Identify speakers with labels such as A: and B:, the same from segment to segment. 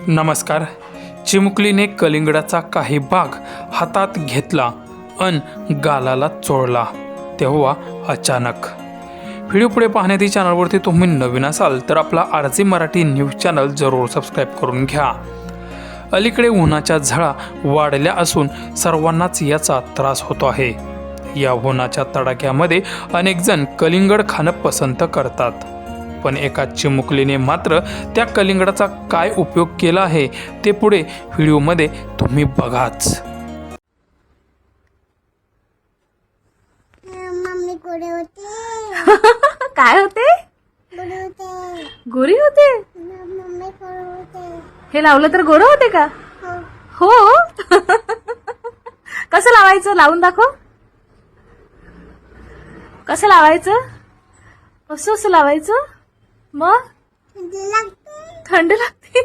A: नमस्कार. चिमुकलीने कलिंगडाचा काही भाग हातात घेतला अन गालाला चोळला तेव्हा अचानक. व्हिडिओ पुढे पाहण्याआधी चॅनलवरती तुम्ही नवीन असाल तर आपला आरजी मराठी न्यूज चॅनल जरूर सबस्क्राईब करून घ्या. अलीकडे उन्हाच्या झळा वाढल्या असून सर्वांनाच याचा त्रास होतो आहे. या उन्हाच्या तडाख्यामध्ये अनेक जण कलिंगड खाणं पसंत करतात, पण एका चिमुकलीने मात्र त्या कलिंगडाचा काय उपयोग केला आहे ते पुढे व्हिडिओमध्ये तुम्ही बघाच.
B: मम्मी गोरे होते.
C: काय होते?
B: गोरे होते.
C: गोरी होते.
B: मम्मी गोरे होते.
C: हे लावलं तर गोरं होते का?
B: हो.
C: हो. कसं लावायचं? लावून दाखव. कसं लावायचं? असं असं लावायचं. मग
B: थंडी लागते.
C: थंड लागते.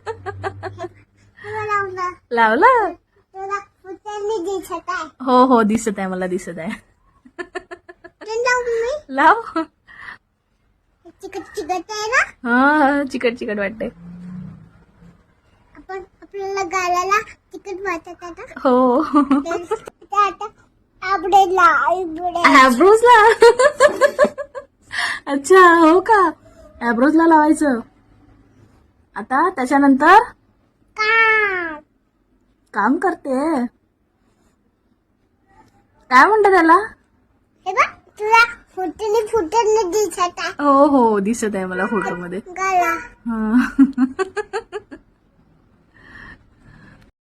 B: तुला लावला.
C: लावलं.
B: तुला फुटाने दिसत आहे.
C: हो हो, दिसत आहे, मला दिसत आहे.
B: तुला लावू मी.
C: लाव.
B: चिकट चिकट आहे ना.
C: हा, चिकट चिकट वाटते.
B: आपल्याला गालाला चिकट वाटत आहे ना.
C: हो.
B: ते आता आबडेला
C: ॲब्रोजला. अच्छा, हो का? ॲब्रोजला लावायचं. आता त्याच्यानंतर काम करते. काय म्हणतात त्याला?
B: हे बघ, तुला फुटाने दिसत आहे.
C: हो हो, दिसत आहे मला फोटो मध्ये.
B: गाला.
C: हा.